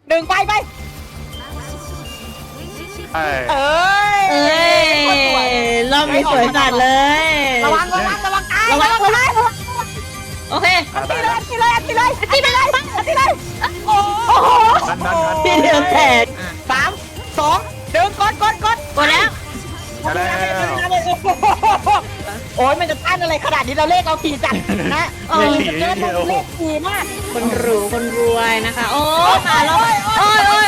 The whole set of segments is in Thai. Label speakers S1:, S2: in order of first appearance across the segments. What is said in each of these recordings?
S1: ดึงไปเอ้ย
S2: รอบนี้สวยจัดเลย
S1: ระวังตายระวัง
S2: โอเค
S1: ตีเลยโอ้โห
S2: พี่เดียวแตก
S1: 3 2ดึงกด
S2: กดแล้ว
S1: โอ้ยมันจะต้านอะไรขนาดนี้เราเลขเอาขี่จัดนะเกินเลขขี่มาก
S2: คนรวยนะคะโอ้มาแล้วโอ้ย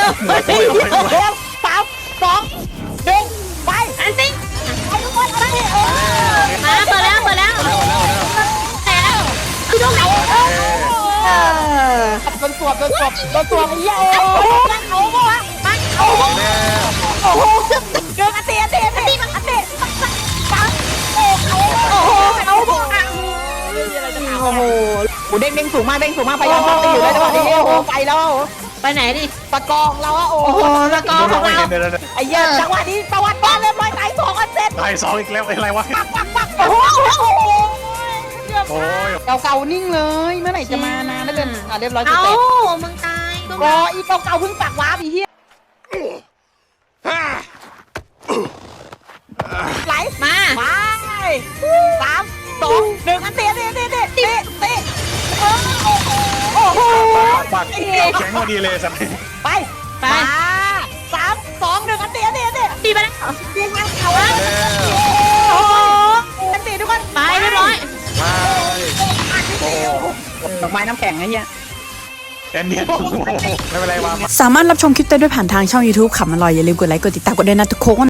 S1: 3 2 1ไป
S2: อันซิง
S1: ไปทุกคนไป
S2: มาเปิดแล้วแต่คือตรงไหน
S1: โดนสวบไอ้เหี้ยโอ้โหโอ้โหเกินอันเตะโอ้โหเด้งสูงมากพยายามเข้าไปอยู่แล้วจังหวะนี้โอ้โหไปแล้ว
S2: ไปไหนดิ
S1: ตะกองเราอะโอ้โห
S2: ตะกองของเรา
S1: ไอ้เหี้ยจังหวะนี้ตะวันบ้านเรียบร้อยตาย2 อันเสร็จ
S3: ตาย2อีกแล้วอะไรวะ
S1: ปักโอ้โหเก่านิ่งเลยเมื่อไหร่จะมานานนั่นเลยเรียบร้อยเสร็จ
S2: มึงตาย
S1: รออีเก่าเพิ่งปักวาร์ปอีเหี้ยไหล
S2: มา
S1: ไป3 2 1อันเตะโอ้โห
S3: ปักแข็งพอดีเลยสัตว์
S1: ไป3 2 1อันเตะ
S2: ตีไปแล้ว
S1: ยิงมันเขาแล้วโอ้โหอันเตะทุกคน
S2: ไปเรียบร้อย
S3: โอ้โห
S1: ดอกไม้น้ำแข็งไอ้เหี้ย
S3: แอนเนียนไม่เป็นไรวะ
S4: สามารถรับชมคลิปได้ด้วยผ่านทางช่อง YouTube ขำอร่อยอย่าลืมกดไลค์กดติดตามกันด้วยนะทุกคน